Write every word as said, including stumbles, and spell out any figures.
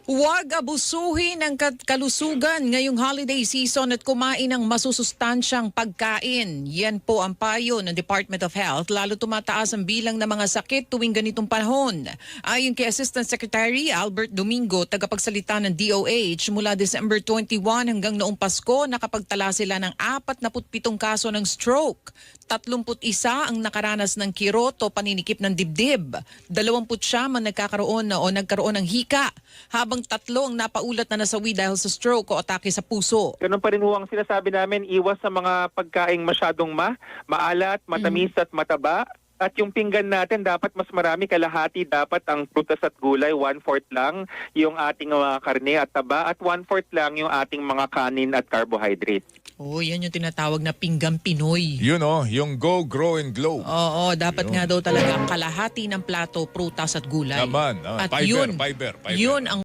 Huwag abusuhin ang kat- kalusugan ngayong holiday season at kumain ng masusustansyang pagkain. Yan po ang payo ng Department of Health, lalo tumataas ang bilang ng mga sakit tuwing ganitong panahon. Ayon kay Assistant Secretary Albert Domingo, tagapagsalita ng D O H, mula December twenty-one hanggang noong Pasko, nakapagtala sila ng apat na pitong kaso ng stroke. tatlumput isa ang nakaranas ng kirot o paninikip ng dibdib. Dalawamput siya man nagkakaroon na o nagkaroon ng hika, habang tatlo ang napaulat na nasawi dahil sa stroke o atake sa puso. Ganun pa rin ho ang sinasabi namin, iwas sa mga pagkaing masyadong ma, maalat, matamis at mataba. At yung pinggan natin, dapat mas marami, kalahati dapat ang prutas at gulay, one-fourth lang yung ating mga karne at taba, at one-fourth lang yung ating mga kanin at carbohydrate. Oh, yan yung tinatawag na pinggang Pinoy. Yun oh, yung Go, Grow and Glow. Oo, dapat Yun. nga daw talaga kalahati ng plato, prutas at gulay. Naman, ah, at fiber, yun, fiber, fiber. yun ang